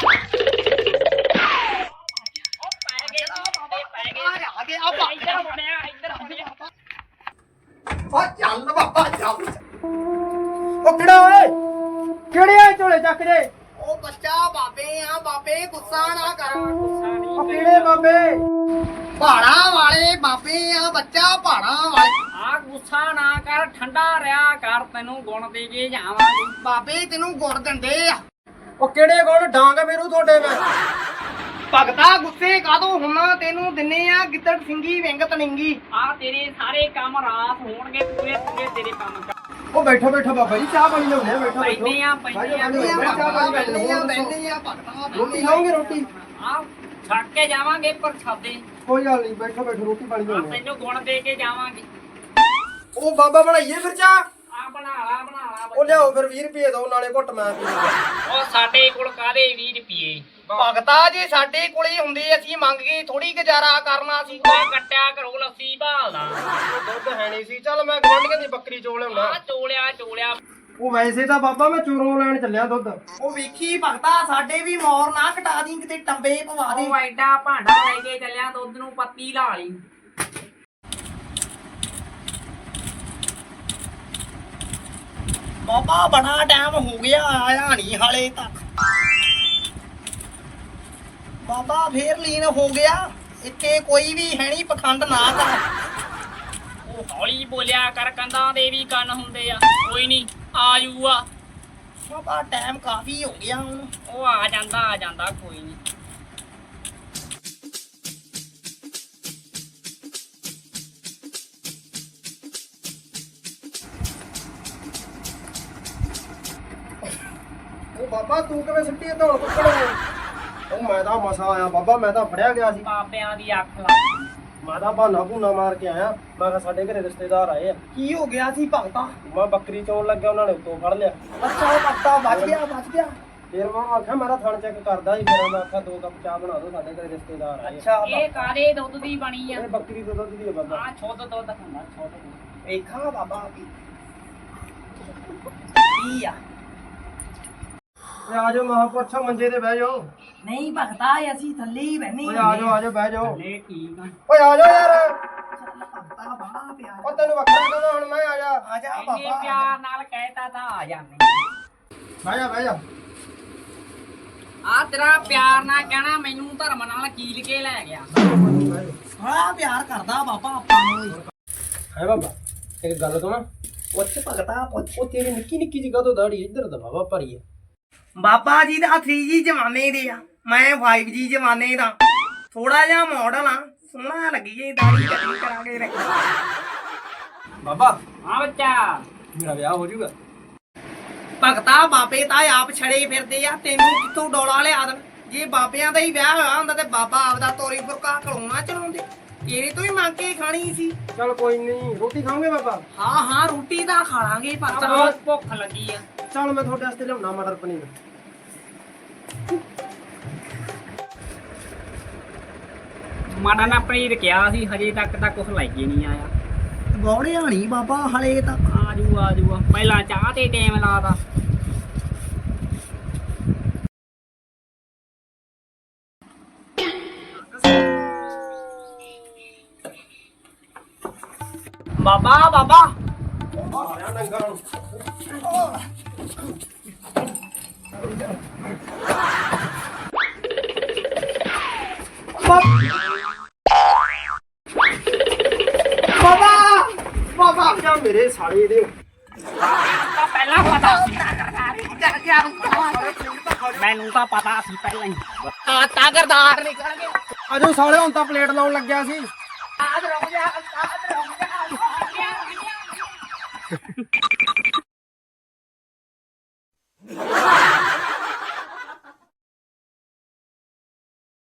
ਓ ਚੱਲ ਬਾਬਾ ਚੱਲ। ਉਹ ਕਿਹੜਾ ਓਏ? ਕਿਹੜੇ ਆ ਝੋਲੇ ਚੱਕ ਜੇ? ਉਹ ਬੱਚਾ ਬਾਬੇ ਆ, ਬਾਬੇ ਗੁੱਸਾ ਨਾ ਕਰ। ਉਹ ਕਿਹੜੇ ਬਾਬੇ? ਪਹਾੜਾਂ ਵਾਲੇ ਬਾਬੇ ਆ ਬੱਚਾ, ਪਹਾੜਾਂ ਵਾਲੇ। ਆ ਗੁੱਸਾ ਨਾ ਕਰ, ਠੰਡਾ ਰਿਆ ਕਰ, ਤੈਨੂੰ ਗੁਣ ਦੇ ਕੇ ਜਾਵਾਂਗੇ। ਬਾਬੇ ਤੈਨੂੰ ਗੁੜ ਦਿੰਦੇ ਆ। ਉਹ ਕਿਹੜੇ ਕੋਲ ਡਾਂਗ ਮੇਰੂ ਤੁਹਾਡੇ ਮੈਂ? ਭਗਤਾ ਗੁੱਸੇ ਕਾਦੋਂ ਹੁੰਨਾ? ਤੈਨੂੰ ਦਿੰਨੇ ਆ ਗਿੱਦੜ ਸਿੰਘੀ ਵਿੰਗ ਤਨਿੰਗੀ। ਆ ਤੇਰੇ ਸਾਰੇ ਕੰਮ ਰਾਸ ਹੋਣਗੇ, ਪੂਰੇ ਪੂਰੇ ਤੇਰੇ ਕੰਮ ਕਰ। ਉਹ ਬੈਠੋ ਬੈਠੋ ਬਾਬਾ ਜੀ, ਚਾਹ ਪਾਣੀ ਲਿਆਉਂਦੇ ਆ। ਬੈਠੋ ਪੈਂਦੇ ਆ ਪੈਂਦੇ ਆ ਬੈਠੇ ਆ ਭਗਤਾ। ਰੋਟੀ ਖਾਓਗੇ? ਰੋਟੀ ਆ ਛੱਡ ਕੇ ਜਾਵਾਂਗੇ ਪ੍ਰਸ਼ਾਦੇ। ਕੋਈ ਗੱਲ ਨਹੀਂ, ਬੈਠੋ ਬੈਠੋ, ਰੋਟੀ ਪਾਣੀ ਆ ਲਿਆਉਂਦੇ ਤੈਨੂੰ ਗੁਣ ਦੇ ਕੇ ਜਾਵਾਂਗੇ। ਉਹ ਬਾਬਾ ਬਣਾਈਏ ਫਿਰ ਚਾਹ? ਆ ਬਣਾ ਲਾ ਉਹ ਲਿਆਓ ਫਿਰ 20 ਰੁਪਏ ਦਿਓ, ਨਾਲੇ ਘੁੱਟ ਮੈਂ ਪੀ ਲਵਾਂ। ਉਹ ਸਾਡੇ ਕੋਲ ਕਾਦੇ 20 ਰੁਪਏ? ਭਗਤਾ ਜੀ ਸਾਡੇ ਕੋਲੇ ਹੁੰਦੇ, ਅਸੀਂ ਮੰਗ ਕੇ ਥੋੜੀ ਗੁਜ਼ਾਰਾ ਕਰਨਾ ਸੀ। ਉਹ ਕੱਟਿਆ ਕਰੋ ਲੱਸੀ ਭਾਲਦਾ। ਦੁੱਧ ਹੈ ਨਹੀਂ ਸੀ। ਚੱਲ ਮੈਂ ਗਵਾਂਢੀਆਂ ਦੀ ਬੱਕਰੀ ਚੋਲ ਲਿਆਉਣਾ। ਆ ਚੋਲਿਆ। ਉਹ ਵੈਸੇ ਤਾਂ ਬਾਬਾ ਮੈਂ ਚੋਰੋਂ ਲੈਣ ਚੱਲਿਆ ਦੁੱਧ। ਉਹ ਵੇਖੀ ਭਗਤਾ, ਸਾਡੇ ਵੀ ਮੌਰ ਨਾ ਕਟਾ ਦੀ, ਕਿਤੇ ਟੰਬੇ ਪਵਾ ਦੇ। ਉਹ ਐਡਾ ਭਾਂਡਾ ਲੈ ਕੇ ਚੱਲਿਆ, ਦੁੱਧ ਨੂੰ ਪੱਤੀ ਲਾ ਲਈ। ਬਾਬਾ ਬੜਾ ਟਾਈਮ ਹੋ ਗਿਆ, ਆਇਆ ਨਹੀਂ ਹਾਲੇ ਤੱਕ। ਬਾਬਾ ਫੇਰ ਲੀਨ ਹੋ ਗਿਆ। ਇੱਥੇ ਕੋਈ ਵੀ ਹੈ ਨਹੀਂ, ਪਖੰਡ ਨਾ ਕਰ। ਉਹ ਹੌਲੀ ਬੋਲਿਆ ਕਰ, ਕੰਧਾਂ ਦੇ ਵੀ ਕੰਨ ਹੁੰਦੇ ਆ। ਕੋਈ ਨਹੀਂ ਆ ਜੂਆ। ਬਾਬਾ ਟਾਈਮ ਕਾਫੀ ਹੋ ਗਿਆ ਹੁਣ। ਉਹ ਆ ਜਾਂਦਾ ਕੋਈ ਨਹੀਂ। ਉਹ ਬਾਬਾ ਤੂੰ ਕਿਵੇਂ ਸਿੱਟੀ ਇਹ ਧੌਣ ਕੁੱਕੜ? ਉਹ ਮੈਂ ਤਾਂ ਮਸਾ ਆਇਆ ਬਾਬਾ, ਮੈਂ ਤਾਂ ਫੜਿਆ ਗਿਆ ਸੀ। ਬਾਬਿਆਂ ਦੀ ਅੱਖ ਲੱਗ। ਮੈਂ ਤਾਂ ਬਹਾਨਾ ਭੂਨਾ ਮਾਰ ਕੇ ਆਇਆ। ਮੈਂ ਕਿਹਾ ਸਾਡੇ ਘਰੇ ਰਿਸ਼ਤੇਦਾਰ ਆਏ ਆ। ਕੀ ਹੋ ਗਿਆ ਸੀ ਭਗਤਾ? ਮੈਂ ਬੱਕਰੀ ਚੋਣ ਲੱਗਿਆ, ਉਹਨਾਂ ਨੇ ਉੱਤੋਂ ਫੜ ਲਿਆ। ਅੱਛਾ ਉਹ ਭਗਤਾ ਬਚ ਗਿਆ। ਫਿਰ ਮੈਂ ਆਖਿਆ, ਮੈਂ ਤਾਂ ਥਣ ਚੈੱਕ ਕਰਦਾ ਸੀ। ਫਿਰ ਮੈਂ ਆਖਿਆ 2 ਕੱਪ ਚਾਹ ਬਣਾ ਦਿਓ, ਸਾਡੇ ਘਰੇ ਰਿਸ਼ਤੇਦਾਰ ਆਏ ਆ। ਅੱਛਾ ਇਹ ਕਾਦੇ ਦੁੱਧ ਦੀ ਬਣੀ ਆ? ਇਹ ਬੱਕਰੀ ਤੋਂ ਦੁੱਧ ਦੀ ਆ ਬਾਬਾ। ਆ ਸ਼ੁੱਧ ਦੁੱਧ ਹੁੰਦਾ, ਸ਼ੁੱਧ ਦੁੱਧ। ਵੇਖਾਂ ਬਾਬਾ ਕੀ ਆ। ਓਏ ਆ ਜਾਓ ਮਹਾਂਪੁਰਸ਼ੋ, ਮੰਜੇ ਤੇ ਬਹਿ ਜਾਓ। ਨਹੀਂ ਭਗਤਾ, ਅਸੀਂ ਥੱਲੇ ਹੀ ਬਹਿਨੇ ਓਏ ਆ ਜਾਓ ਬਹਿ ਜਾਓ। ਲੈ ਠੀਕ ਆ। ਓਏ ਆ ਜਾਓ ਯਾਰ। ਭਗਤਾ ਬੜਾ ਪਿਆਰ। ਉਹ ਤੈਨੂੰ ਵੱਖਰਾ ਕਹਿੰਦਾ, ਹੁਣ ਮੈਂ ਆ ਜਾ। ਆ ਜਾ ਇੰਨੇ ਬਾਬਾ। ਪਿਆਰ ਨਾਲ ਕਹਿਤਾ ਤਾਂ ਆ ਜਾਂਦੇ। ਬਹਿ ਜਾ। ਆ ਤੇਰਾ ਪਿਆਰ ਨਾਲ ਕਹਿਣਾ, ਮੈਨੂੰ ਧਰਮ ਨਾਲ ਕੀਲ ਕੇ ਲੈ ਗਿਆ। ਬੜਾ ਪਿਆਰ ਕਰਦਾ ਬਾਬਾ ਆਪਾਂ ਨੂੰ। ਹੈ ਬਾਬਾ ਇੱਕ ਗੱਲ ਕਹਾਂ? ਪੁੱਛ ਭਗਤਾ ਪੁੱਛ। ਉਹ ਤੇਰੀ ਨਿੱਕੀ ਨਿੱਕੀ ਜਿਹੀ ਕਾਹਤੋਂ ਦਾੜੀ ਇੱਧਰ ਦਾ ਬਾਬਾ ਭਰੀ ਆ? ਬਾਬਾ ਜੀ ਦਾ 3G ਜ਼ਮਾਨੇ ਦੇ ਆ, ਮੈਂ 5G ਜ਼ਮਾਨੇ ਦਾ। ਥੋੜਾ ਜਿਹਾ ਮਾਡਲ ਆ, ਸੋਹਣਾ ਲੱਗੀਏ, ਦਾੜੀ ਕਟਿੰਗ ਕਰਾਂਗੇ ਰੇ। ਬਾਬਾ ਹਾਂ ਬੱਚਾ। ਮੇਰਾ ਵਿਆਹ ਹੋ ਜਾਊਗਾ? ਭਗਤਾ ਬਾਬੇ ਤਾਂ ਆਪ ਛੜੇ ਫਿਰਦੇ ਆ, ਤੈਨੂੰ ਕਿੱਥੋਂ ਡੋਲਾ ਲਿਆ ਦੇਣ? ਜੇ ਬਾਬਿਆਂ ਦਾ ਹੀ ਵਿਆਹ ਹੋਇਆ ਹੁੰਦਾ ਤੇ ਬਾਬਾ ਆਪਦਾ ਤੋਰੀ ਫੁਰਕਾ ਕਲਾਉਣਾ ਚਲਾਉਂਦੇ। ਤੇਰੇ ਤੋਂ ਹੀ ਮੰਗ ਕੇ ਖਾਣੀ ਸੀ। ਚਲ ਕੋਈ ਨਹੀਂ, ਰੋਟੀ ਖਾਓਗੇ ਬਾਬਾ? ਹਾਂ ਰੋਟੀ ਤਾਂ ਖਾ ਲਾਂਗੇ ਭਗਤਾ। ਬਹੁਤ ਭੁੱਖ ਲੱਗੀ ਆ। ਚਲ ਮੈਂ ਤੁਹਾਡੇ ਵਾਸਤੇ ਲਿਆਉਣਾ ਮਟਰ ਪਨੀਰ। ਮਾੜਾ ਨਾ ਪਨੀਰ ਕਿਹਾ ਸੀ, ਹਜੇ ਤੱਕ ਤਾਂ ਕੁਝ ਲੈ ਕੇ ਨਹੀਂ ਆਇਆ। ਗੌੜਿਆ ਨਹੀਂ ਬਾਬਾ ਹਲੇ ਤਾਂ। ਆਜੂ ਪਹਿਲਾਂ ਚਾਹ ਤੇ ਟਾਈਮ ਲਾਦਾ। ਬਾਬਾ ਆਇਆ ਨੰਗਾ ਨੂੰ। ਬਾਬਾ ਕਿਆ ਮੇਰੇ ਸਾਲੇ ਦੇ। ਤਾਂ ਪਹਿਲਾਂ ਪਤਾ ਸੀ। ਮੈਨੂੰ ਤਾਂ ਪਤਾ ਸੀ ਪਹਿਲਾਂ ਹੀ। ਆਤਾ ਗਰਦਾਰ ਨਿਕਲ ਗਏ। ਆਜੋ ਸਾਲੇ, ਹੁਣ ਤਾਂ ਪਲੇਟ ਲਾਉਣ ਲੱਗਿਆ ਸੀ। ਆਦ ਰੁਕ ਜਾ।